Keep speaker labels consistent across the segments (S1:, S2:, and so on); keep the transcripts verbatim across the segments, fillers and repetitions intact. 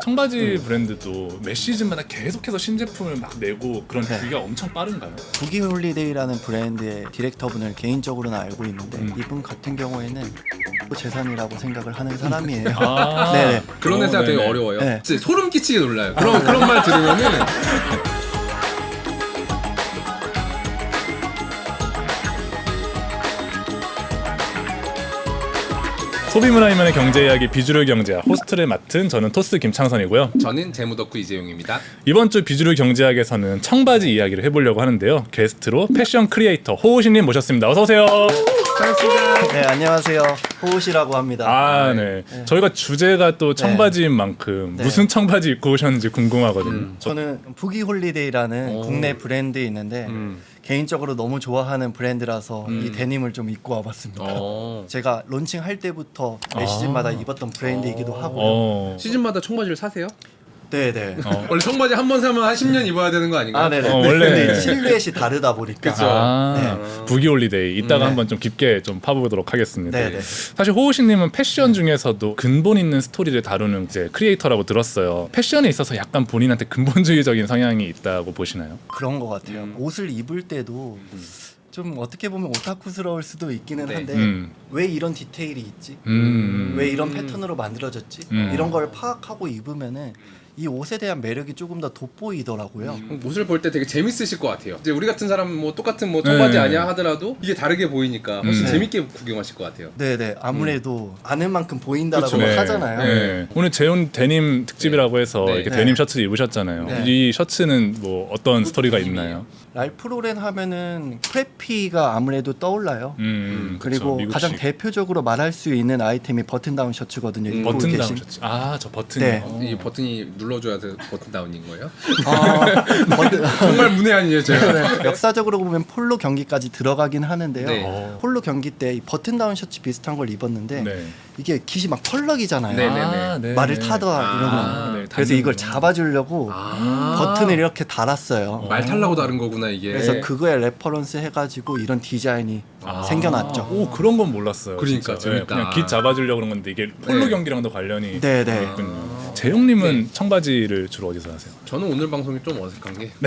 S1: 청바지 음. 브랜드도 매 시즌마다 계속해서 신제품을 막 내고 그런
S2: 네.
S1: 주기가 엄청 빠른가요?
S2: 부기 홀리데이라는 브랜드의 디렉터분을 개인적으로는 알고 있는데
S1: 음.
S2: 이분 같은 경우에는 재산이라고 생각을 하는 사람이에요.
S1: 아
S2: 네네.
S3: 그런 회사가
S1: 어,
S3: 되게
S1: 네네.
S3: 어려워요.
S2: 네.
S3: 진짜 소름 끼치게 놀라요. 그런 그런 말 들으면은
S1: 소비문화이면의 경제 이야기 비주류 경제학 호스트를 맡은 저는 토스 김창선이고요.
S3: 저는 재무덕후 이재용입니다.
S1: 이번 주 비주류 경제학에서는 청바지 이야기를 해보려고 하는데요. 게스트로 패션 크리에이터 호우신님 모셨습니다. 어서 오세요.
S3: 반갑습니다.
S2: 네, 안녕하세요. 호우시라고 합니다.
S1: 아, 네. 네. 저희가 주제가 또 청바지인 만큼
S2: 네.
S1: 무슨 청바지 입고 오셨는지 궁금하거든요.
S3: 음.
S2: 저는 부기 홀리데이라는
S3: 오.
S2: 국내 브랜드 있는데
S3: 음.
S2: 개인적으로 너무 좋아하는 브랜드라서
S3: 음.
S2: 이 데님을 좀 입고 와봤습니다.
S3: 어.
S2: 제가 론칭할 때부터 매
S1: 아.
S2: 시즌마다 입었던 브랜드이기도
S3: 어.
S2: 하고요.
S1: 어.
S3: 시즌마다 청바지를 사세요?
S2: 네네.
S1: 어.
S3: 원래 청바지 한 번 사면 한 십 년 입어야 되는 거 아닌가요?
S2: 아, 네네.
S1: 어, 원래-
S2: 근데 실루엣이 다르다 보니까.
S3: 그쵸.
S1: 아,
S3: 네.
S1: 부기 홀리데이 이따가
S2: 네.
S1: 한번 좀 깊게 좀 파보도록 하겠습니다.
S2: 네네.
S1: 사실 호우신님은 패션 중에서도 근본 있는 스토리를 다루는 이제 크리에이터라고 들었어요. 패션에 있어서 약간 본인한테 근본주의적인 성향이 있다고 보시나요?
S2: 그런 것 같아요.
S3: 음.
S2: 옷을 입을 때도 좀 어떻게 보면 오타쿠스러울 수도 있기는
S3: 네.
S2: 한데
S1: 음.
S2: 왜 이런 디테일이 있지?
S1: 음.
S2: 왜 이런 패턴으로 만들어졌지?
S1: 음.
S2: 이런 걸 파악하고 입으면은 이 옷에 대한 매력이 조금 더 돋보이더라고요.
S3: 옷을 볼 때 되게 재밌으실 것 같아요. 이제 우리 같은 사람 뭐 똑같은 뭐 청바지
S1: 네.
S3: 아니야 하더라도 이게 다르게 보이니까 훨씬
S1: 음.
S3: 재밌게 구경하실 것 같아요.
S2: 네네. 아무래도 아는 만큼 보인다라고
S3: 그쵸.
S1: 네.
S2: 하잖아요.
S1: 네. 오늘 재훈 데님 특집이라고 해서
S3: 네.
S1: 이렇게
S2: 네.
S1: 데님 셔츠를 입으셨잖아요.
S2: 네.
S1: 이 셔츠는 뭐 어떤 스토리가 있나요?
S2: 랄프 로렌 하면은 프레피가 아무래도 떠올라요.
S1: 음,
S2: 그리고
S1: 그쵸,
S2: 가장
S1: 미국식.
S2: 대표적으로 말할 수 있는 아이템이 버튼 다운 셔츠거든요.
S3: 음,
S2: 입고
S1: 버튼 다운
S2: 계신.
S1: 셔츠. 아, 저 버튼이.
S2: 네.
S3: 이 버튼이 눌러줘야 돼 버튼 다운인 거예요?
S2: 아, 버튼,
S3: 정말 문외한이에요, 제가.
S2: 네. 역사적으로 보면 폴로 경기까지 들어가긴 하는데요.
S3: 네.
S1: 어.
S2: 폴로 경기 때 이 버튼 다운 셔츠 비슷한 걸 입었는데
S1: 네.
S2: 이게 깃이 막 펄럭이잖아요.
S3: 네, 네.
S1: 아, 네.
S2: 말을 타다
S3: 아,
S2: 이러면
S1: 네,
S2: 그래서
S1: 닿는
S2: 이걸
S1: 거.
S2: 잡아주려고
S3: 아.
S2: 버튼을 이렇게 달았어요.
S3: 말 타려고 다른 거구나 이게.
S2: 그래서 그거에 레퍼런스 해가지고 이런 디자인이
S1: 아.
S2: 생겨났죠.
S1: 오, 그런 건 몰랐어요.
S3: 그러니까,
S1: 진짜.
S3: 재밌다.
S1: 그냥 깃 잡아주려고 그런 건데 이게 폴로
S3: 네.
S1: 경기랑도 관련이
S2: 네네.
S1: 있군요. 재용님은
S3: 네.
S1: 청바지를 주로 어디서 하세요?
S3: 저는 오늘 방송이 좀 어색한 게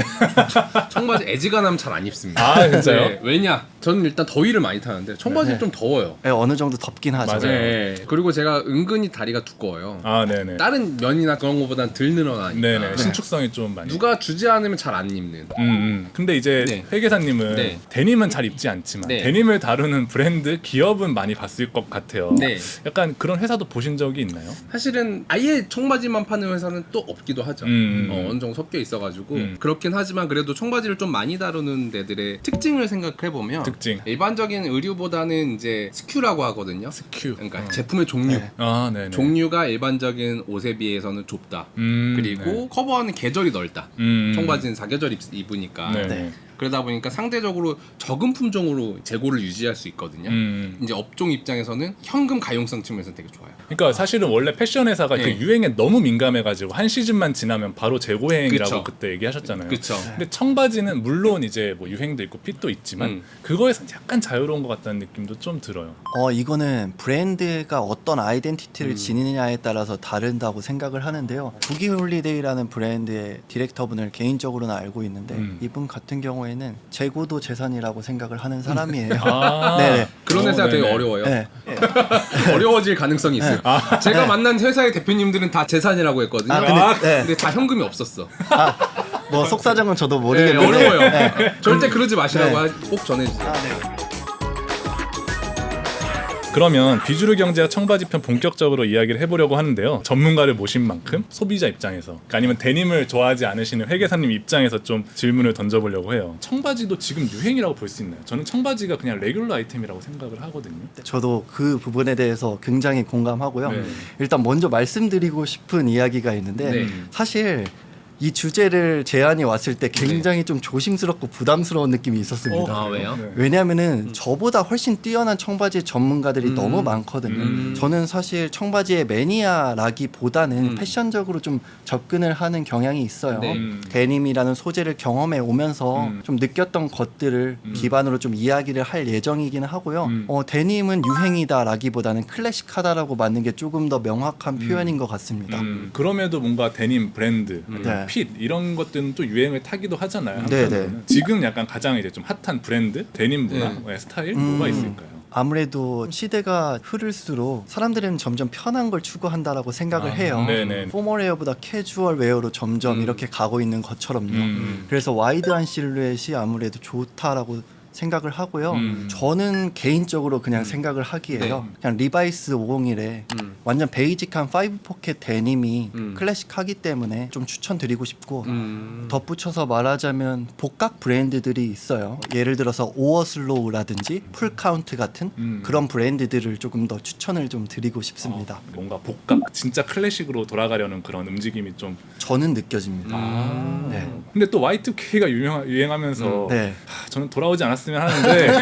S3: 청바지 애지간하면 잘 안 입습니다.
S1: 아, 진짜요?
S3: 네, 왜냐? 저는 일단 더위를 많이 타는데 청바지는
S2: 네.
S3: 좀 더워요.
S2: 네, 어느 정도 덥긴 하죠.
S1: 맞아요.
S3: 네. 그리고 제가 은근히 다리가 두꺼워요.
S1: 아, 네네.
S3: 다른 면이나 그런 거보단 덜 늘어나니까.
S1: 네네. 신축성이 좀 많이.
S3: 누가 주지 않으면 잘 안 입는.
S1: 음, 음. 근데 이제
S3: 네.
S1: 회계사님은
S3: 네.
S1: 데님은 잘 입지 않지만
S3: 네.
S1: 데님을 다루는 브랜드 기업은 많이 봤을 것 같아요.
S3: 네.
S1: 약간 그런 회사도 보신 적이 있나요?
S3: 사실은 아예 청바지만 파는 회사는 또 없기도 하죠.
S1: 음.
S3: 어, 어느 정도 섞여 있어가지고
S1: 음.
S3: 그렇긴 하지만 그래도 청바지를 좀 많이 다루는 데들의 특징을 생각해 보면
S1: 특징.
S3: 일반적인 의류보다는 이제 스큐라고 하거든요.
S1: 스큐.
S3: 그러니까
S1: 어.
S3: 제품의 종류.
S2: 네.
S1: 아, 네네.
S3: 종류가 일반적인 옷에 비해서는 좁다.
S1: 음,
S3: 그리고
S1: 네.
S3: 커버하는 계절이 넓다.
S1: 음.
S3: 청바지는 사계절 입- 입으니까.
S1: 네.
S2: 네.
S3: 그러다 보니까 상대적으로 적은 품종으로 재고를 유지할 수 있거든요.
S1: 음.
S3: 이제 업종 입장에서는 현금 가용성 측면에서 되게 좋아요.
S1: 그러니까 사실은 원래 패션 회사가
S3: 네.
S1: 그 유행에 너무 민감해가지고 한 시즌만 지나면 바로 재고행이라고
S3: 그쵸.
S1: 그때 얘기하셨잖아요.
S3: 그렇죠.
S1: 근데 청바지는 물론 이제 뭐 유행도 있고 핏도 있지만
S3: 음.
S1: 그거에서 약간 자유로운 것 같다는 느낌도 좀 들어요.
S2: 어 이거는 브랜드가 어떤 아이덴티티를
S3: 음.
S2: 지니냐에 따라서 다른다고 생각을 하는데요. 부기 홀리데이라는 브랜드의 디렉터분을 개인적으로는 알고 있는데
S1: 음.
S2: 이분 같은 경우에는 재고도 재산이라고 생각을 하는 사람이에요.
S1: 아,
S2: 네네.
S3: 그런
S1: 어,
S3: 회사가 되게
S1: 네네.
S3: 어려워요.
S2: 네.
S3: 어려워질 가능성이 있어요.
S1: 아,
S3: 제가 만난 회사의 대표님들은 다 재산이라고 했거든요.
S2: 아, 근데,
S3: 아,
S2: 네.
S3: 근데 다 현금이 없었어.
S2: 뭐 속사정은 저도
S3: 네,
S2: 모르겠는데.
S3: 어려워요.
S2: 네.
S3: 절대 그러지 마시라고
S2: 네.
S3: 꼭 전해주세요.
S2: 아, 네.
S1: 그러면 비주류 경제학 청바지 편 본격적으로 이야기를 해보려고 하는데요. 전문가를 모신 만큼 소비자 입장에서 그러니까 아니면 데님을 좋아하지 않으시는 회계사님 입장에서 좀 질문을 던져보려고 해요. 청바지도 지금 유행이라고 볼 수 있나요? 저는 청바지가 그냥 레귤러 아이템이라고 생각을 하거든요.
S2: 저도 그 부분에 대해서 굉장히 공감하고요.
S1: 네.
S2: 일단 먼저 말씀드리고 싶은 이야기가 있는데
S3: 네.
S2: 사실 이 주제를 제안이 왔을 때 굉장히 좀 조심스럽고 부담스러운 느낌이 있었습니다.
S3: 아, 왜요?
S1: 네.
S2: 왜냐하면은 저보다 훨씬 뛰어난 청바지 전문가들이
S3: 음.
S2: 너무 많거든요.
S3: 음.
S2: 저는 사실 청바지의 매니아라기보다는
S3: 음.
S2: 패션적으로 좀 접근을 하는 경향이 있어요.
S3: 네.
S1: 음.
S2: 데님이라는 소재를 경험해 오면서
S1: 음.
S2: 좀 느꼈던 것들을
S1: 음.
S2: 기반으로 좀 이야기를 할 예정이기는 하고요.
S1: 음.
S2: 어, 데님은 유행이다라기보다는 클래식하다라고 맞는 게 조금 더 명확한 표현인 것 같습니다.
S1: 음, 그럼에도 뭔가 데님 브랜드,
S3: 음.
S2: 네.
S1: 핏 이런 것들은 또 유행을 타기도 하잖아요.
S2: 네,
S1: 한편으로는.
S2: 네.
S1: 지금 약간 가장 이제 좀 핫한 브랜드, 데님 문화,
S3: 네.
S1: 네, 스타일
S2: 음.
S1: 뭐가 있을까요?
S2: 아무래도 시대가 흐를수록 사람들은 점점 편한 걸 추구한다라고 생각을
S1: 아,
S2: 해요.
S1: 네네.
S2: 포멀웨어보다 캐주얼 웨어로 점점
S3: 음.
S2: 이렇게 가고 있는 것처럼요.
S1: 음.
S2: 그래서 와이드한 실루엣이 아무래도 좋다라고 생각을 하고요.
S1: 음.
S2: 저는 개인적으로 그냥 생각을 하기에요.
S3: 네.
S2: 그냥 리바이스 오백일에
S3: 음.
S2: 완전 베이직한 파이브 포켓 데님이
S3: 음.
S2: 클래식하기 때문에 좀 추천드리고 싶고
S3: 음.
S2: 덧붙여서 말하자면 복각 브랜드들이 있어요. 예를 들어서 오어슬로우라든지 풀카운트 같은
S1: 음.
S2: 그런 브랜드들을 조금 더 추천을 좀 드리고 싶습니다.
S1: 어, 뭔가 복각, 진짜 클래식으로 돌아가려는 그런 움직임이 좀.
S2: 저는 느껴집니다.
S1: 아.
S2: 네.
S1: 근데 또 와이투케이가 유명 유행하면서
S2: 네.
S1: 하, 저는 돌아오지 않았으면 하는데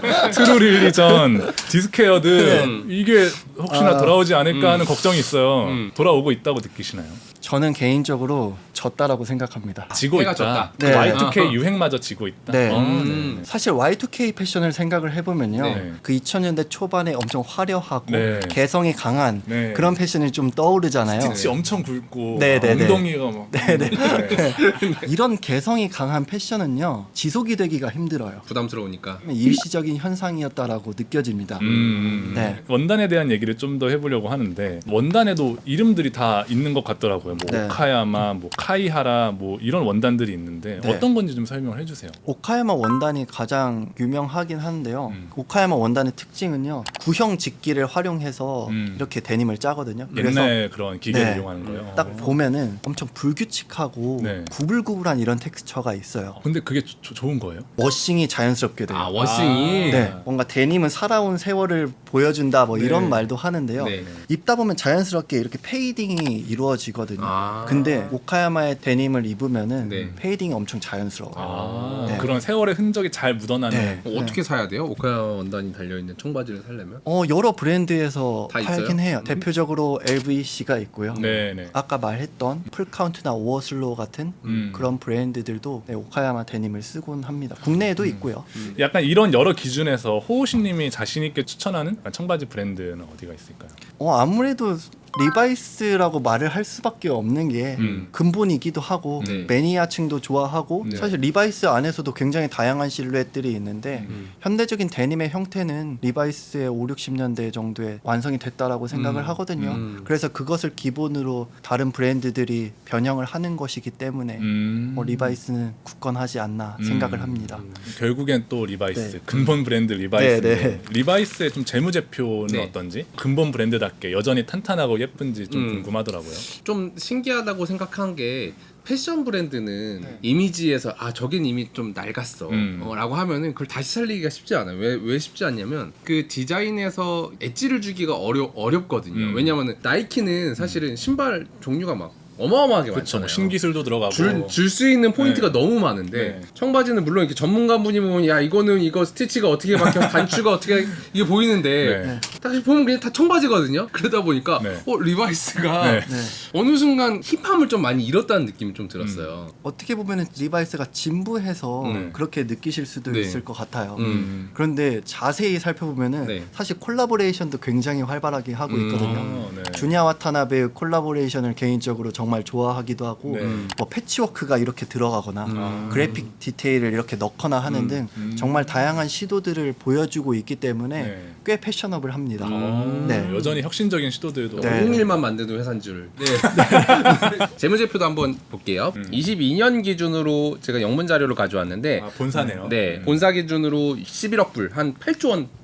S1: 트루릴리전, 디스케어드
S3: 음.
S1: 이게 혹시나
S2: 아.
S1: 돌아오지 않을까
S3: 음.
S1: 하는 걱정이 있어요.
S3: 음.
S1: 돌아오고 있다고 느끼시나요?
S2: 저는 개인적으로 졌다라고 생각합니다.
S1: 지고
S3: 해가
S1: 있다.
S3: 졌다.
S2: 네.
S1: 와이투케이
S3: 아하.
S1: 유행마저 지고 있다.
S2: 네.
S1: 어,
S3: 음.
S2: 사실 와이투케이 패션을 생각을 해보면요.
S1: 네.
S2: 그 이천 년대 초반에 엄청 화려하고
S1: 네.
S2: 개성이 강한
S1: 네.
S2: 그런 패션이 좀 떠오르잖아요.
S1: 스티치 엄청 굵고
S2: 네, 네, 네.
S1: 엉덩이가 막
S2: 네네.
S1: 네.
S2: 이런 개성이 강한 패션은요. 지속이 되기가 힘들어요.
S3: 부담스러우니까.
S2: 일시적인 현상이었다라고 느껴집니다.
S1: 음,
S2: 네.
S1: 원단에 대한 얘기를 좀 더 해보려고 하는데 원단에도 이름들이 다 있는 것 같더라고요. 뭐
S2: 네.
S1: 오카야마, 뭐 카이하라, 뭐 이런 원단들이 있는데
S2: 네.
S1: 어떤 건지 좀 설명을 해주세요.
S2: 오카야마 원단이 가장 유명하긴 한데요.
S1: 음.
S2: 오카야마 원단의 특징은요. 구형 직기를 활용해서
S1: 음.
S2: 이렇게 데님을 짜거든요. 그래서
S1: 옛날 그런 기계를
S2: 네.
S1: 이용하는 거예요.
S2: 딱 보면은 엄청 불규칙하고
S1: 네.
S2: 구불구불한 이런 텍스처가 있어요.
S1: 근데 그게 조- 조- 좋은 거예요?
S2: 워싱이 자연스럽게 돼요.
S3: 아, 워싱이.
S2: 네, 뭔가 데님은 살아온 세월을 보여준다 뭐
S1: 네.
S2: 이런 말도 하는데요.
S3: 네.
S2: 입다 보면 자연스럽게 이렇게 페이딩이 이루어지거든요.
S3: 아.
S2: 근데 오카야마의 데님을 입으면은
S3: 네.
S2: 페이딩이 엄청 자연스러워요.
S1: 아,
S2: 네.
S1: 그런 세월의 흔적이 잘 묻어나는.
S2: 네.
S3: 어, 어떻게 사야 돼요? 오카야 원단이 달려 있는 청바지를 살려면?
S2: 어 여러 브랜드에서
S3: 다
S2: 팔긴
S3: 있어요?
S2: 해요.
S3: 음.
S2: 대표적으로 엘브이씨가 있고요.
S1: 네, 네.
S2: 아까 말했던 풀카운트나 오어슬로우 같은
S1: 음.
S2: 그런 브랜드들도 네, 오카야마 데님을 쓰곤 합니다. 국내에도 있고요.
S1: 약간 이런 여러 기준에서 호우신님이 자신 있게 추천하는 청바지 브랜드는 어디가 있을까요?
S2: 어 아무래도 리바이스라고 말을 할 수밖에 없는 게
S1: 음.
S2: 근본이기도 하고
S3: 네.
S2: 매니아층도 좋아하고
S1: 네.
S2: 사실 리바이스 안에서도 굉장히 다양한 실루엣들이 있는데
S3: 음.
S2: 현대적인 데님의 형태는 리바이스의 오, 육십 년대 정도에 완성이 됐다라고 생각을
S1: 음.
S2: 하거든요.
S3: 음.
S2: 그래서 그것을 기본으로 다른 브랜드들이 변형을 하는 것이기 때문에
S1: 음.
S2: 어, 리바이스는 굳건하지 않나 생각을
S1: 음.
S2: 합니다.
S1: 결국엔 또 리바이스
S2: 네.
S1: 근본 브랜드 리바이스.
S2: 네, 네.
S1: 리바이스의 좀 재무제표는
S3: 네.
S1: 어떤지 근본 브랜드답게 여전히 탄탄하고 예쁜지 좀
S3: 음.
S1: 궁금하더라고요.
S3: 좀 신기하다고 생각한 게 패션 브랜드는
S2: 네.
S3: 이미지에서 아 저긴 이미 좀 낡았어
S1: 음.
S3: 어, 라고 하면은 그걸 다시 살리기가 쉽지 않아요. 왜, 왜 쉽지 않냐면 그 디자인에서 엣지를 주기가 어려, 어렵거든요.
S1: 음.
S3: 왜냐면은 나이키는 사실은 신발 종류가 막 어마어마하게
S1: 그렇죠.
S3: 많잖아요.
S1: 신기술도 들어가고.
S3: 줄 수 있는 포인트가
S1: 네.
S3: 너무 많은데
S1: 네.
S3: 청바지는 물론 이렇게 전문가분이 보면 야 이거는 이거 스티치가 어떻게 박혀 단추가 어떻게 이게 보이는데
S1: 네.
S3: 딱 보면 그냥 다 청바지거든요. 그러다 보니까
S1: 네.
S3: 어 리바이스가
S1: 네.
S2: 네.
S3: 어느 순간 힙함을 좀 많이 잃었다는 느낌이 좀 들었어요.
S2: 어떻게 보면 리바이스가 진부해서
S3: 음.
S2: 그렇게 느끼실 수도
S3: 네.
S2: 있을 것 같아요.
S3: 음.
S2: 그런데 자세히 살펴보면은
S3: 네.
S2: 사실 콜라보레이션도 굉장히 활발하게 하고
S3: 음.
S2: 있거든요.
S1: 아, 네.
S2: 주냐 와타나베의 콜라보레이션을 개인적으로 정말 좋아하기도 하고
S1: 네.
S2: 뭐 패치워크가 이렇게 들어가거나
S3: 음.
S2: 그래픽 디테일을 이렇게 넣거나 하는
S3: 음.
S2: 등
S1: 음.
S2: 정말 다양한 시도들을 보여주고 있기 때문에
S1: 네.
S2: 꽤 패셔너블합니다.
S3: 음.
S2: 네.
S1: 여전히 혁신적인 시도들도.
S2: 네.
S3: 오백일만 만드는 회사인 줄. 네. 재무제표도 한번 볼게요.
S1: 음.
S3: 이십이 년 기준으로 제가 영문 자료를 가져왔는데
S1: 아, 본사네요.
S3: 네,
S1: 음.
S3: 본사 기준으로 십일억 불, 한 팔조 원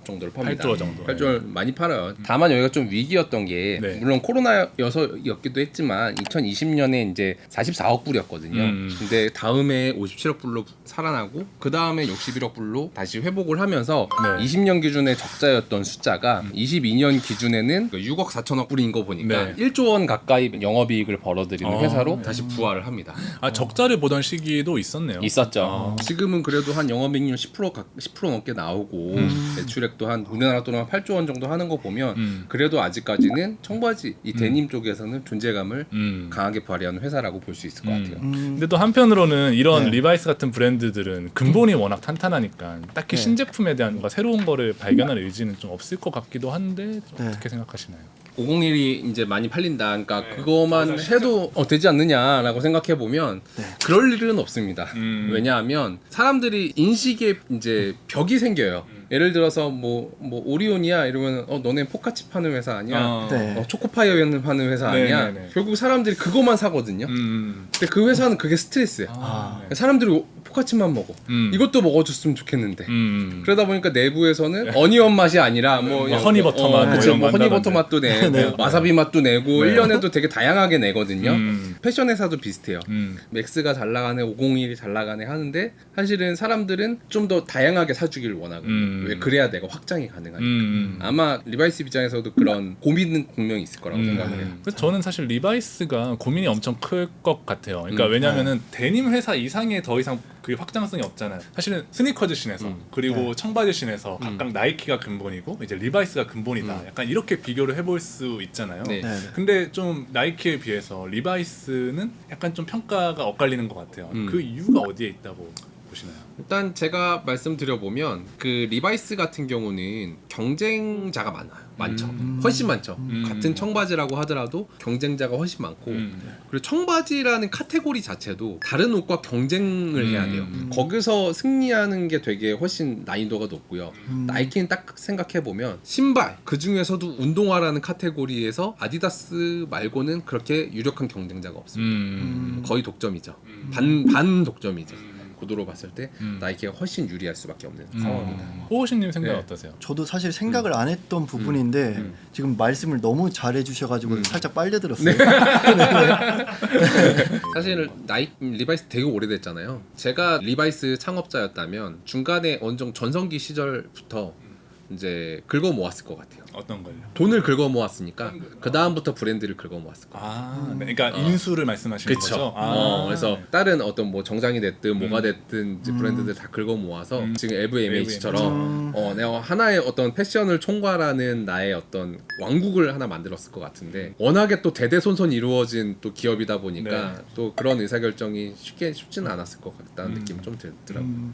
S3: 정도를 팝니다.
S1: 팔 조 정도.
S3: 팔 조 많이 팔아요. 다만 여기가 좀 위기였던 게
S1: 네.
S3: 물론 코로나여서였기도 했지만 이천이십 년에 이제 사십사억 불이었거든요.
S1: 음.
S3: 근데 다음에 오십칠억 불로 살아나고 그 다음에 육십일억 불로 다시 회복을 하면서
S1: 네.
S3: 이십 년 기준의 적자였던 숫자가 이십이 년 기준에는 육억 사천억 불인 거 보니까
S1: 네.
S3: 일 조 원 가까이 영업이익을 벌어들이는
S1: 어.
S3: 회사로 다시 부활을 합니다.
S1: 아 적자를 보던 시기도 있었네요.
S3: 있었죠.
S1: 아.
S3: 지금은 그래도 한 영업이익률 십 퍼센트 가, 십 퍼센트 넘게 나오고
S1: 음.
S3: 매출액도 한 우리나라 돈으로 한 팔 조 원 정도 하는 거 보면
S1: 음.
S3: 그래도 아직까지는 청바지 이 데님 쪽에서는 존재감을
S1: 음.
S3: 강하게 발휘하는 회사라고 볼 수 있을 것
S1: 음.
S3: 같아요.
S2: 음,
S1: 근데 또 한편으로는 이런
S2: 네.
S1: 리바이스 같은 브랜드들은 근본이 워낙 탄탄하니까 딱히
S2: 네.
S1: 신제품에 대한 뭔가 새로운 거를 발견할 의지는 좀 없을 것 같기도 한데 좀
S2: 네.
S1: 어떻게 생각하시나요?
S3: 오백일이 이제 많이 팔린다. 그러니까
S1: 네.
S3: 그거만
S1: 맞아,
S3: 해도 어, 되지 않느냐라고 생각해 보면
S2: 네.
S3: 그럴 일은 없습니다.
S1: 음.
S3: 왜냐하면 사람들이 인식에 이제 벽이 생겨요.
S1: 음.
S3: 예를 들어서 뭐 뭐 오리온이야 이러면 어 너네 포카치 파는 회사 아니야?
S1: 어.
S2: 네.
S3: 어, 초코파이어 파는 회사
S1: 네,
S3: 아니야?
S1: 네, 네.
S3: 결국 사람들이 그것만 사거든요.
S1: 음.
S3: 근데 그 회사는 그게 스트레스야.
S1: 아, 네.
S3: 사람들이 포카치만 먹어.
S1: 음.
S3: 이것도 먹어줬으면 좋겠는데.
S1: 음.
S3: 그러다 보니까 내부에서는 어니언 맛이 아니라 뭐
S1: 뭐 허니버터 맛,
S3: 어,
S1: 뭐
S3: 그치,
S1: 이런
S3: 뭐
S1: 거
S3: 허니버터
S1: 한다던데.
S3: 맛도 내고
S2: 네.
S3: 와사비 맛도 내고
S1: 네.
S3: 일 년에도 되게 다양하게 내거든요.
S1: 음.
S3: 패션 회사도 비슷해요.
S1: 음.
S3: 맥스가 잘 나가네, 오백일이 잘 나가네 하는데 사실은 사람들은 좀 더 다양하게 사주기를 원하거든요.
S1: 음.
S3: 왜 그래야 내가 확장이 가능하니까.
S1: 음.
S3: 아마 리바이스 입장에서도 그런 고민은 분명히 있을 거라고
S1: 음.
S3: 생각을 해요.
S1: 그래서 저는 사실 리바이스가 고민이 엄청 클 것 같아요. 그러니까
S3: 음.
S1: 왜냐면은 데님 회사 이상의 더 이상 그 확장성이 없잖아요. 사실은 스니커즈 씬에서
S3: 음.
S1: 그리고
S2: 네.
S1: 청바지 씬에서
S3: 음.
S1: 각각 나이키가 근본이고 이제 리바이스가 근본이다.
S3: 음.
S1: 약간 이렇게 비교를 해볼 수 있잖아요.
S3: 네.
S2: 네.
S1: 근데 좀 나이키에 비해서 리바이스는 약간 좀 평가가 엇갈리는 것 같아요.
S3: 음.
S1: 그 이유가 어디에 있다고 보시나요?
S3: 일단 제가 말씀드려 보면 그 리바이스 같은 경우는 경쟁자가 많아요. 많죠.
S1: 음.
S3: 훨씬 많죠.
S1: 음.
S3: 같은 청바지라고 하더라도 경쟁자가 훨씬 많고
S1: 음.
S3: 그리고 청바지라는 카테고리 자체도 다른 옷과 경쟁을 해야 돼요.
S1: 음.
S3: 거기서 승리하는 게 되게 훨씬 난이도가 높고요.
S2: 음.
S3: 나이키는 딱 생각해 보면 신발 그 중에서도 운동화라는 카테고리에서 아디다스 말고는 그렇게 유력한 경쟁자가 없습니다.
S1: 음.
S3: 거의 독점이죠.
S1: 음.
S3: 반 반 독점이죠. 구도로 봤을 때
S1: 음.
S3: 나이키가 훨씬 유리할 수밖에 없는
S1: 음.
S3: 상황입니다.
S1: 호호신님 생각 은
S3: 네.
S1: 어떠세요?
S2: 저도 사실 생각을 안 했던 부분인데
S3: 음.
S2: 지금 말씀을 너무 잘해 주셔가지고
S3: 음.
S2: 살짝 빨려들었어요.
S3: 사실 나이 리바이스 되게 오래됐잖아요. 제가 리바이스 창업자였다면 중간에 어느 정도 전성기 시절부터 이제 긁어 모았을 것 같아요.
S1: 어떤 걸요?
S3: 돈을 긁어 모았으니까 그 다음부터 브랜드를 긁어 모았을 거예요.
S1: 아, 네. 그러니까
S3: 어.
S1: 인수를 말씀하시는
S3: 그쵸.
S1: 거죠? 아,
S3: 어, 그래서 다른 어떤 뭐 정장이 됐든 뭐가
S1: 음.
S3: 됐든 이제 브랜드들 다 긁어 모아서
S1: 음.
S3: 지금 엘브이엠에이치처럼
S2: 음.
S3: 어, 내가 하나의 어떤 패션을 총괄하는 나의 어떤 왕국을 하나 만들었을 것 같은데 워낙에 또 대대손손 이루어진 또 기업이다 보니까
S1: 네.
S3: 또 그런 의사결정이 쉽게 쉽지는 않았을 것 같다는
S1: 음.
S3: 느낌이 좀 들더라고요.
S2: 음.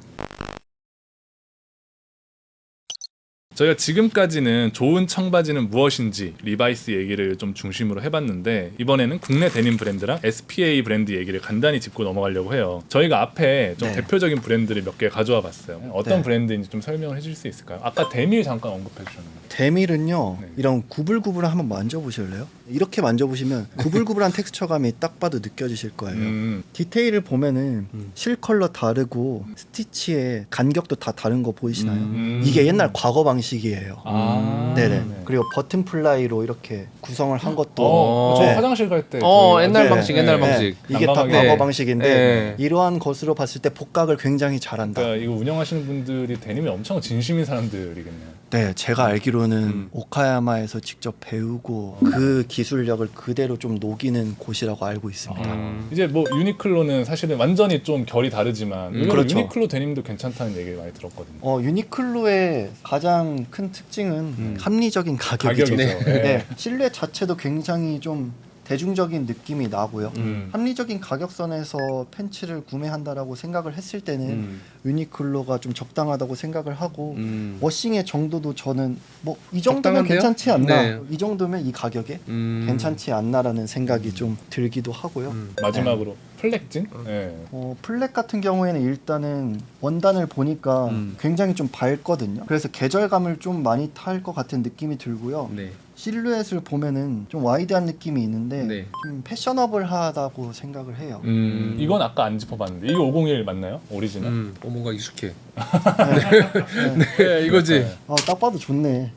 S1: 저희가 지금까지는 좋은 청바지는 무엇인지 리바이스 얘기를 좀 중심으로 해봤는데 이번에는 국내 데님 브랜드랑 에스피에이 브랜드 얘기를 간단히 짚고 넘어가려고 해요. 저희가 앞에 좀
S2: 네.
S1: 대표적인 브랜드를 몇 개 가져와 봤어요. 어떤
S2: 네.
S1: 브랜드인지 좀 설명을 해줄 수 있을까요? 아까 데밀 잠깐 언급해 주셨는데.
S2: 데밀은요
S1: 네.
S2: 이런 구불구불 한번 만져보실래요? 이렇게 만져보시면 구불구불한 텍스처감이 딱 봐도 느껴지실 거예요.
S1: 음,
S2: 디테일을 보면은
S3: 음.
S2: 실컬러 다르고 스티치의 간격도 다 다른 거 보이시나요?
S1: 음.
S2: 이게 옛날 과거 방식이에요.
S1: 아,
S2: 네네.
S1: 네.
S2: 그리고 버튼 플라이로 이렇게 구성을 한 것도
S1: 어, 저
S2: 네.
S1: 화장실 갈 때.
S3: 어,
S1: 저희
S3: 옛날
S1: 어제-
S3: 방식, 옛날 방식.
S2: 이게 다
S1: 난감하게.
S2: 과거
S3: 네.
S2: 방식인데
S3: 네.
S2: 이러한 것으로 봤을 때 복각을 굉장히 잘한다.
S1: 그러니까 이거 운영하시는 분들이 데님에 엄청 진심인 사람들이겠네요.
S2: 네, 제가 알기로는
S3: 음.
S2: 오카야마에서 직접 배우고 그 기술력을 그대로 좀 녹이는 곳이라고 알고 있습니다.
S3: 음.
S1: 이제 뭐 유니클로는 사실은 완전히 좀 결이 다르지만
S3: 음,
S1: 의외로
S2: 그렇죠.
S1: 유니클로 데님도 괜찮다는 얘기를 많이 들었거든요.
S2: 어, 유니클로의 가장 큰 특징은
S3: 음.
S2: 합리적인 가격이죠.
S1: 가격이죠.
S3: 네.
S1: 네.
S2: 네, 실내 자체도 굉장히 좀 대중적인 느낌이 나고요.
S1: 음.
S2: 합리적인 가격선에서 팬츠를 구매한다라고 생각을 했을 때는
S3: 음.
S2: 유니클로가 좀 적당하다고 생각을 하고
S3: 음.
S2: 워싱의 정도도 저는 뭐 이 정도면
S3: 적당한데요?
S2: 괜찮지 않나,
S3: 네.
S2: 이 정도면 이 가격에
S3: 음.
S2: 괜찮지 않나라는 생각이 좀 들기도 하고요.
S3: 음.
S1: 마지막으로 플렉진? 네.
S2: 어, 플렉 같은 경우에는 일단은 원단을 보니까
S3: 음.
S2: 굉장히 좀 밝거든요. 그래서 계절감을 좀 많이 탈 것 같은 느낌이 들고요.
S3: 네.
S2: 실루엣을 보면은 좀 와이드한 느낌이 있는데
S3: 네.
S2: 좀 패셔너블하다고 생각을 해요.
S1: 음, 이건 아까 안 짚어봤는데 이게 오공일 맞나요? 오리지널?
S3: 음, 어, 뭔가 익숙해.
S2: 네.
S3: 네, 이거지.
S2: 어, 딱 봐도 좋네.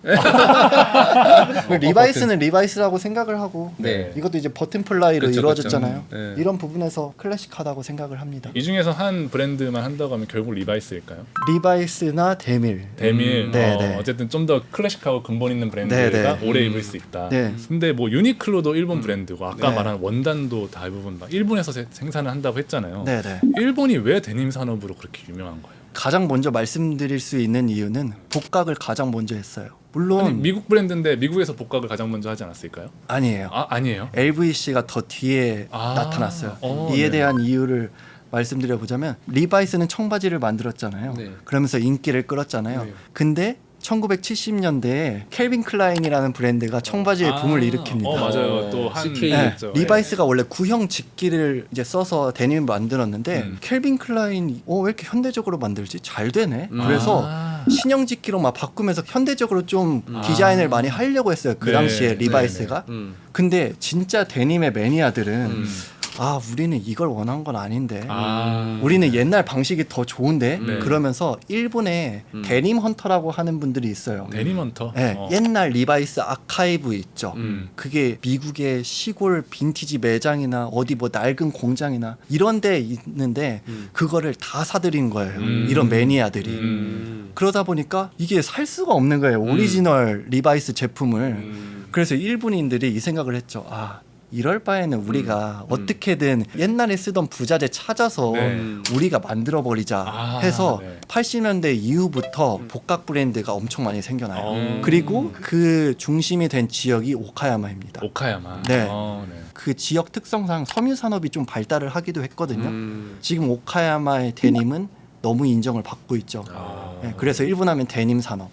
S2: 그 리바이스는 리바이스라고 생각을 하고
S3: 네.
S2: 이것도 이제 버튼 플라이로
S3: 그쵸,
S2: 이루어졌잖아요.
S3: 그쵸. 네.
S2: 이런 부분에서 클래식하다고 생각을 합니다.
S1: 이 중에서 한 브랜드만 한다고 하면 결국 리바이스일까요?
S2: 리바이스나 데밀.
S1: 데밀.
S3: 음,
S2: 네,
S1: 어,
S2: 네.
S1: 어쨌든 좀 더 클래식하고 근본 있는 브랜드가
S2: 네, 네.
S1: 오래
S3: 음.
S1: 입을 수 있다.
S2: 네.
S1: 근데 뭐 유니클로도 일본 브랜드고 아까
S2: 네.
S1: 말한 원단도 대부분 막 일본에서 세- 생산을 한다고 했잖아요.
S2: 네, 네.
S1: 일본이 왜 데님 산업으로 그렇게 유명한 거예요?
S2: 가장 먼저 말씀드릴 수 있는 이유는 복각을 가장 먼저 했어요. 물론
S1: 아니, 미국 브랜드인데 미국에서 복각을 가장 먼저 하지 않았을까요?
S2: 아니에요.
S1: 아 아니에요.
S2: 엘브이씨가 더 뒤에
S1: 아,
S2: 나타났어요.
S1: 어,
S2: 이에
S1: 네.
S2: 대한 이유를 말씀드려보자면 리바이스는 청바지를 만들었잖아요.
S3: 네.
S2: 그러면서 인기를 끌었잖아요.
S3: 네.
S2: 근데 천구백칠십 년대에 켈빈 클라인이라는 브랜드가 청바지의
S1: 아,
S2: 붐을 일으킵니다.
S1: 어 맞아요.
S3: 어,
S1: 또한
S3: 씨케이.
S2: 네,
S1: 있죠.
S2: 리바이스가 원래 구형 직기를 이제 써서 데님을 만들었는데
S1: 음.
S2: 켈빈 클라인이 어, 왜 이렇게 현대적으로 만들지? 잘 되네.
S3: 음.
S2: 그래서
S1: 아.
S2: 신형 직기로 막 바꾸면서 현대적으로 좀
S3: 음.
S2: 디자인을
S1: 아.
S2: 많이 하려고 했어요. 그
S1: 네,
S2: 당시에
S1: 네,
S2: 리바이스가.
S3: 음.
S2: 근데 진짜 데님의 매니아들은
S3: 음.
S2: 아 우리는 이걸 원한 건 아닌데
S1: 아.
S2: 우리는 옛날 방식이 더 좋은데
S1: 네.
S2: 그러면서 일본에
S3: 음.
S2: 데님 헌터라고 하는 분들이 있어요.
S1: 데님 헌터.
S2: 네,
S1: 어.
S2: 옛날 리바이스 아카이브 있죠.
S1: 음.
S2: 그게 미국의 시골 빈티지 매장이나 어디 뭐 낡은 공장이나 이런 데 있는데
S3: 음.
S2: 그거를 다 사들인 거예요.
S1: 음.
S2: 이런 매니아들이.
S3: 음.
S2: 그러다 보니까 이게 살 수가 없는 거예요. 오리지널 리바이스 제품을.
S3: 음.
S2: 그래서 일본인들이 이 생각을 했죠. 아 이럴 바에는 우리가
S3: 음.
S2: 어떻게든 옛날에 쓰던 부자재 찾아서
S1: 네.
S2: 우리가 만들어 버리자
S1: 아,
S2: 해서
S1: 네.
S2: 팔십 년대 이후부터 복각 브랜드가 엄청 많이 생겨나요.
S1: 어.
S2: 그리고 그 중심이 된 지역이 오카야마입니다.
S1: 오카야마.
S2: 네.
S1: 어, 네.
S2: 그 지역 특성상 섬유 산업이 좀 발달을 하기도 했거든요.
S3: 음.
S2: 지금 오카야마의 데님은 너무 인정을 받고 있죠.
S1: 아.
S2: 네, 그래서 일본 하면 데님 산업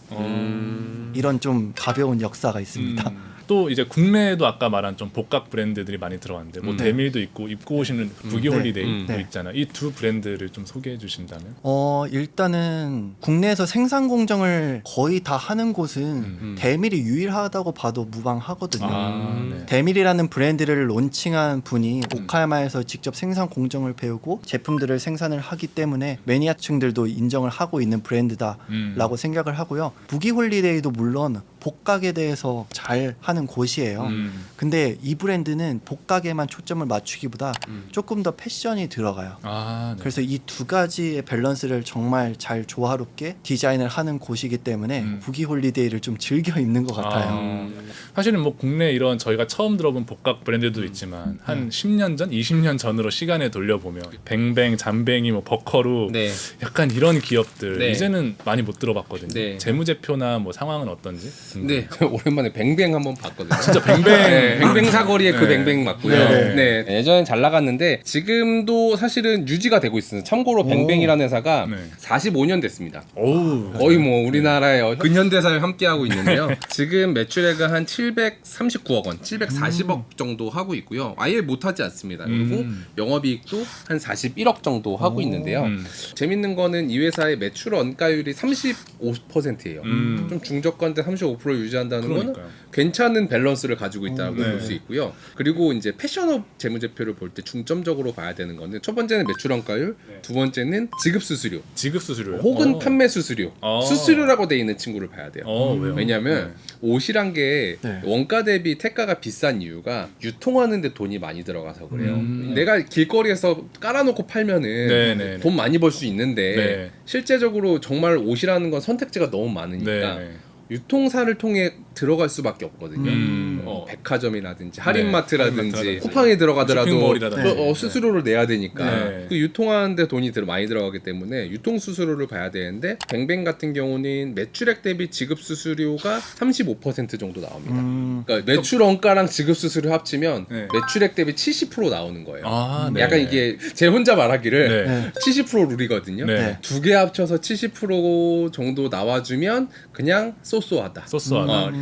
S3: 음.
S2: 이런 좀 가벼운 역사가 있습니다.
S1: 음. 또 이제 국내에도 아까 말한 좀 복각 브랜드들이 많이 들어왔는데 뭐
S3: 음.
S1: 데밀도 있고 입고 오시는 부기
S3: 네.
S1: 홀리데이도
S2: 네.
S1: 있잖아요. 이 두 브랜드를 좀 소개해 주신다면.
S2: 어 일단은 국내에서 생산 공정을 거의 다 하는 곳은
S1: 음.
S2: 데밀이 유일하다고 봐도 무방하거든요.
S1: 아,
S3: 음.
S1: 네.
S2: 데밀이라는 브랜드를 론칭한 분이 오카야마에서 직접 생산 공정을 배우고 제품들을 생산을 하기 때문에 매니아층들도 인정을 하고 있는 브랜드다라고
S1: 음.
S2: 생각을 하고요. 부기 홀리데이도 물론 복각에 대해서 잘 하는 곳이에요.
S1: 음.
S2: 근데 이 브랜드는 복각에만 초점을 맞추기보다
S3: 음.
S2: 조금 더 패션이 들어가요.
S1: 아, 네.
S2: 그래서 이 두 가지의 밸런스를 정말 잘 조화롭게 디자인을 하는 곳이기 때문에
S1: 음.
S2: 부기 홀리데이를 좀 즐겨 입는 것 같아요.
S1: 아. 사실은 뭐 국내 이런 저희가 처음 들어본 복각 브랜드도
S2: 음.
S1: 있지만 한 십 년 전, 이십 년 전으로 시간에 돌려보면 뱅뱅, 잠뱅이, 뭐 버커루
S3: 네.
S1: 약간 이런 기업들
S3: 네.
S1: 이제는 많이 못 들어봤거든요.
S3: 네.
S1: 재무제표나 뭐 상황은 어떤지.
S3: 네, 오랜만에 뱅뱅 한번 봤거든요.
S1: 진짜 뱅뱅.
S3: 네, 뱅뱅 사거리의 그
S1: 네.
S3: 뱅뱅 맞고요.
S2: 네.
S3: 네. 예전엔 잘 나갔는데 지금도 사실은 유지가 되고 있어요. 참고로
S2: 오.
S3: 뱅뱅이라는 회사가
S1: 네.
S3: 사십오 년 됐습니다.
S1: 오우.
S3: 거의 뭐 우리나라의 근현대사를 함께하고 있는데요. 지금 매출액은 한 칠백삼십구억 원, 칠백사십억 정도 하고 있고요. 아예 못하지 않습니다. 그리고
S1: 음.
S3: 영업이익도 한 사십일억 정도 하고 있는데요.
S1: 음.
S3: 재밌는 거는 이 회사의 매출 원가율이 삼십오 퍼센트예요.
S1: 음.
S3: 좀 중저가인데 삼십오 퍼센트 유지한다는 거는
S1: 그러니까요.
S3: 괜찮은 밸런스를 가지고 있다고
S1: 네.
S3: 볼 수 있고요. 그리고 이제 패션업 재무제표를 볼 때 중점적으로 봐야 되는 거는 첫 번째는 매출 원가율,
S1: 네.
S3: 두 번째는 지급 수수료,
S1: 지급 수수료요?
S3: 혹은
S1: 어.
S3: 판매 수수료,
S1: 어.
S3: 수수료라고 돼 있는 친구를 봐야 돼요.
S1: 어, 왜요?
S3: 왜냐하면 옷이란 게
S2: 네.
S3: 원가 대비 태가가 비싼 이유가 유통하는데 돈이 많이 들어가서 그래요.
S1: 음.
S3: 내가 길거리에서 깔아놓고 팔면은
S1: 네, 네, 네.
S3: 돈 많이 벌 수 있는데
S1: 네.
S3: 실제적으로 정말 옷이라는 건 선택지가 너무 많으니까
S1: 네, 네.
S3: 유통사를 통해 들어갈 수밖에 없거든요.
S1: 음.
S3: 어, 백화점이라든지
S1: 네,
S3: 할인마트라든지
S1: 할인마트라든지
S3: 쿠팡에 들어가더라도
S1: 쇼핑몰이라든지.
S3: 어, 어, 수수료를 내야 되니까
S1: 네.
S3: 그 유통하는데 돈이 들- 많이 들어가기 때문에 유통 수수료를 봐야 되는데 뱅뱅 같은 경우는 매출액 대비 지급 수수료가 삼십오 퍼센트 정도 나옵니다.
S2: 음,
S3: 그러니까 매출 원가랑 지급 수수료 합치면
S1: 네.
S3: 매출액 대비 칠십 퍼센트 나오는 거예요.
S1: 아, 네.
S3: 약간 이게 제 혼자 말하기를
S1: 네.
S2: 네.
S3: 칠십 퍼센트 룰이거든요.
S1: 네.
S2: 네.
S3: 두 개 합쳐서 칠십 퍼센트 정도 나와주면 그냥 쏘쏘하다.
S1: 소스하다.
S3: 어,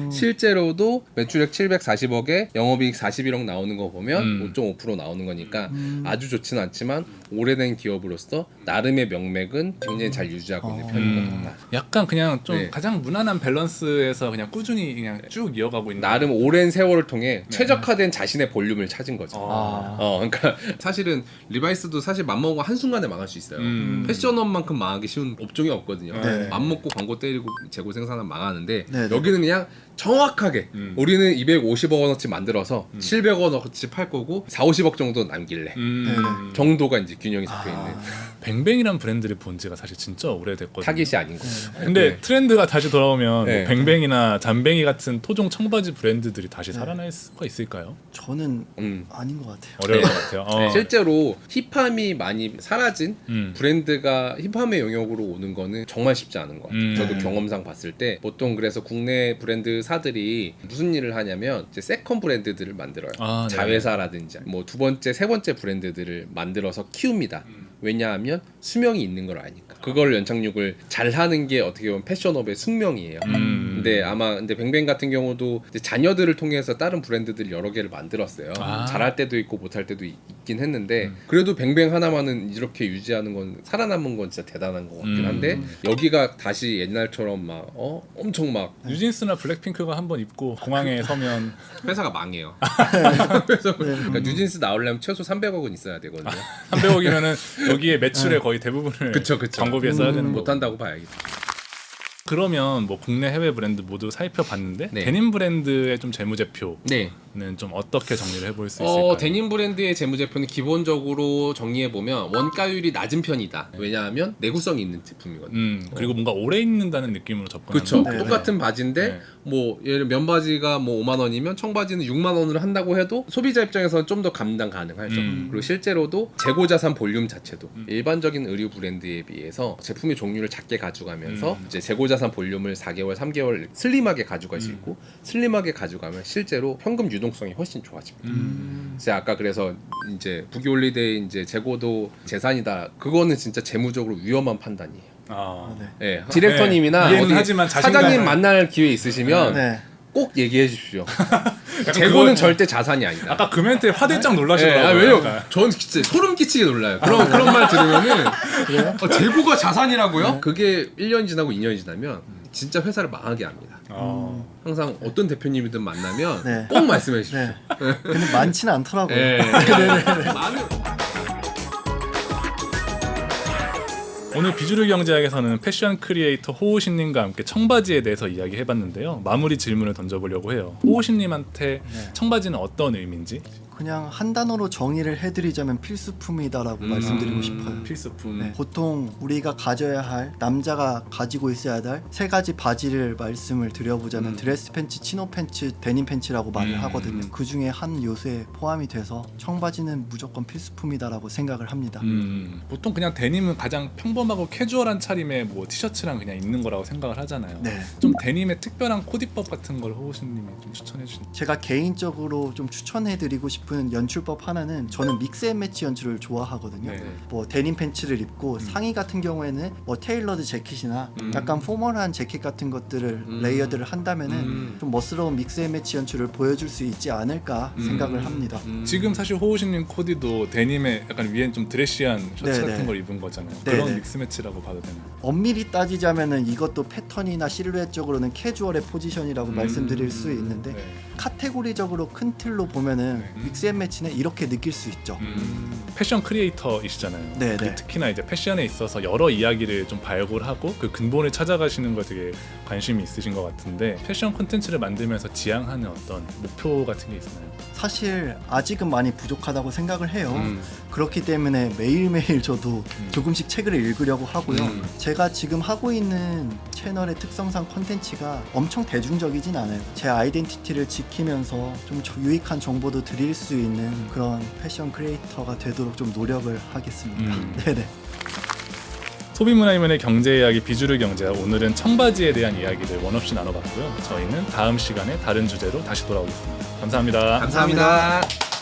S3: 실제로도 매출액 칠백사십억에 영업이익 사십일억 나오는 거 보면
S1: 음.
S3: 오 점 오 퍼센트 나오는 거니까
S2: 음.
S3: 아주 좋지는 않지만 오래된 기업으로서 나름의 명맥은 굉장히 잘 유지하고 있는
S2: 어.
S3: 편인 것
S1: 음,
S3: 같다.
S1: 약간 그냥 좀
S3: 네.
S1: 가장 무난한 밸런스에서 그냥 꾸준히 그냥 쭉 이어가고 있는
S3: 나름 오랜 세월을 통해 최적화된 자신의 볼륨을 찾은 거죠.
S1: 아.
S3: 어, 그러니까 사실은 리바이스도 사실 맘먹고 한 순간에 망할 수 있어요.
S1: 음.
S3: 패션업만큼 망하기 쉬운 업종이 없거든요.
S2: 네.
S3: 맘먹고 광고 때리고 재고 생산하면 망하는데
S2: 네, 네.
S3: 여기는 그냥 정확하게
S1: 음.
S3: 우리는 이백오십억 원어치 만들어서 칠백억 원어치 팔 거고 사오십억 정도 남길래
S1: 음.
S2: 네네.
S3: 정도가 이제 균형이 잡혀 있는
S2: 아,
S1: 뱅뱅이란 브랜드를 본 지가 사실 진짜 오래됐거든요.
S3: 타깃이 아닌 거죠.
S1: 근데
S3: 네.
S1: 트렌드가 다시 돌아오면
S3: 네.
S1: 뭐 뱅뱅이나 잠뱅이 같은 토종 청바지 브랜드들이 다시 살아날 수가 있을까요?
S2: 저는
S3: 음.
S2: 아닌 것 같아요.
S1: 어려울
S3: 네.
S1: 것 같아요. 어.
S3: 실제로 힙함이 많이 사라진
S1: 음.
S3: 브랜드가 힙함의 영역으로 오는 거는 정말 쉽지 않은 것 같아요.
S1: 음.
S3: 저도
S2: 네.
S3: 경험상 봤을 때 보통 그래서 국내 브랜드사들이 무슨 일을 하냐면 이제 세컨 브랜드들을 만들어요.
S1: 아, 네.
S3: 자회사라든지 뭐 두 번째, 세 번째 브랜드들을 만들어서 키웁니다. 왜냐하면 수명이 있는 걸 아니까. 그걸 연착륙을 잘 하는 게 어떻게 보면 패션업의 숙명이에요.
S1: 음.
S3: 근데 아마 근데 뱅뱅 같은 경우도 이제 자녀들을 통해서 다른 브랜드들 여러 개를 만들었어요.
S1: 아.
S3: 잘할 때도 있고 못할 때도 있, 긴 했는데 그래도 뱅뱅 하나만은 이렇게 유지하는 건 살아남은 건 진짜 대단한 것 같긴
S1: 음.
S3: 한데 여기가 다시 옛날처럼 막 어 엄청 막
S1: 뉴진스나 블랙핑크가 한번 입고 공항에 서면
S3: 회사가 망해요. 그래서 그러니까 뉴진스 나오려면 최소 삼백억은 있어야 되거든요.
S1: 삼백억이면은 여기에 매출의 거의 대부분을
S3: 그쵸, 그쵸.
S1: 광고비에 써야 되는 거고.
S3: 못한다고 봐야겠다.
S1: 그러면 뭐 국내 해외 브랜드 모두 살펴봤는데
S3: 네.
S1: 데님 브랜드의 좀 재무제표는
S3: 네.
S1: 좀 어떻게 정리를 해볼 수 있을까요?
S3: 어, 데님 브랜드의 재무제표는 기본적으로 정리해 보면 원가율이 낮은 편이다. 왜냐하면 내구성이 있는 제품이거든요.
S1: 음 그리고 뭔가 오래 입는다는 느낌으로 접근하는
S3: 그렇죠.
S1: 거고.
S2: 네,
S3: 똑같은 바지인데
S1: 네.
S3: 뭐 예를 면바지가 뭐 오만 원이면 청바지는 육만 원으로 한다고 해도 소비자 입장에서는 좀 더 감당 가능하죠.
S1: 음.
S3: 그리고 실제로도 재고 자산 볼륨 자체도 일반적인 의류 브랜드에 비해서 제품의 종류를 작게 가져가면서
S1: 음.
S3: 이제 재고 자산 볼륨을 사 개월, 삼 개월 슬림하게 가져갈 수 있고 슬림하게 가져가면 실제로 현금 유동성이 훨씬 좋아집니다.
S1: 음.
S3: 제가 아까 그래서 이제 부기홀리데이 이제 재고도 재산이다. 그거는 진짜 재무적으로 위험한 판단이에요.
S1: 아.
S2: 네.
S3: 예, 디렉터님이나
S1: 네. 이해는
S3: 어디
S1: 하지만 자신감을-
S3: 사장님 만날 기회 있으시면
S2: 네.
S3: 꼭 얘기해 주십시오.
S1: 약간
S3: 재고는
S1: 그거-
S3: 절대 자산이 아니다.
S1: 아까 그 멘트에 화들짝
S3: 예,
S1: 놀라시더라고요.
S3: 아, 왜냐면
S1: 약간.
S3: 전 진짜 소름 끼치게 놀라요. 그런 그런 말 들으면은 어, 재고가 자산이라고요? 그게 일 년 지나고 이 년 지나면 진짜 회사를 망하게 합니다.
S1: 어.
S3: 항상 어떤 대표님이든 만나면
S2: 네.
S3: 꼭 말씀해 주십시오.
S2: 네. 근데 많지는 않더라고요.
S3: 예. 많은
S1: 오늘 비주류 경제학에서는 패션 크리에이터 호우신님과 함께 청바지에 대해서 이야기해봤는데요. 마무리 질문을 던져보려고 해요. 호우신님한테
S2: 네.
S1: 청바지는 어떤 의미인지?
S2: 그냥 한 단어로 정의를 해드리자면 필수품이다라고
S3: 음.
S2: 말씀드리고 싶어요.
S1: 필수품.
S2: 네, 보통 우리가 가져야 할 남자가 가지고 있어야 할 세 가지 바지를 말씀을 드려보자면
S3: 음.
S2: 드레스 팬츠, 치노 팬츠, 데님 팬츠라고 말을
S1: 음.
S2: 하거든요. 그 중에 한 요소에 포함이 돼서 청바지는 무조건 필수품이다라고 생각을 합니다.
S1: 음, 보통 그냥 데님은 가장 평범하고 캐주얼한 차림에 뭐 티셔츠랑 그냥 입는 거라고 생각을 하잖아요.
S2: 네.
S1: 좀 데님의 특별한 코디법 같은 걸 호우신님이 좀 추천해 주신.
S2: 제가 개인적으로 좀 추천해드리고 싶은 연출법 하나는 저는 믹스앤매치 연출을 좋아하거든요.
S1: 네.
S2: 뭐 데님 팬츠를 입고 상의 같은 경우에는 뭐 테일러드 재킷이나
S3: 음.
S2: 약간 포멀한 재킷 같은 것들을
S3: 음.
S2: 레이어드를 한다면은
S3: 음.
S2: 좀 멋스러운 믹스앤매치 연출을 보여줄 수 있지 않을까
S3: 음.
S2: 생각을 합니다.
S3: 음.
S1: 지금 사실 호우신님 코디도 데님의 약간 위엔 좀 드레시한 셔츠
S2: 네,
S1: 같은
S2: 네.
S1: 걸 입은 거잖아요.
S2: 네,
S1: 그런
S2: 네.
S1: 믹스 매치라고 봐도 되나요?
S2: 엄밀히 따지자면은 이것도 패턴이나 실루엣적으로는 캐주얼의 포지션이라고
S3: 음.
S2: 말씀드릴 수 있는데
S1: 네.
S2: 카테고리적으로 큰 틀로 보면은
S1: 네.
S2: 믹스앤매치는 이렇게 느낄 수 있죠.
S1: 음, 패션 크리에이터이시잖아요.
S2: 네,
S1: 그리고
S2: 네.
S1: 특히나 이제 패션에 있어서 여러 이야기를 좀 발굴하고 그 근본을 찾아가시는 거 되게 관심이 있으신 것 같은데 패션 콘텐츠를 만들면서 지향하는 어떤 목표 같은 게 있나요?
S2: 사실 아직은 많이 부족하다고 생각을 해요.
S3: 음.
S2: 그렇기 때문에 매일매일 저도 조금씩 책을 읽으려고 하고요.
S3: 음.
S2: 제가 지금 하고 있는 채널의 특성상 콘텐츠가 엄청 대중적이진 않아요. 제 아이덴티티를 지키면서 좀 저- 유익한 정보도 드릴 수 있는 그런 패션 크리에이터가 되도록 좀 노력을 하겠습니다.
S1: 음.
S2: 네네.
S1: 소비문화이면의 경제 이야기 비주류 경제학, 오늘은 청바지에 대한 이야기를 원없이 나눠봤고요. 저희는 다음 시간에 다른 주제로 다시 돌아오겠습니다. 감사합니다.
S3: 감사합니다.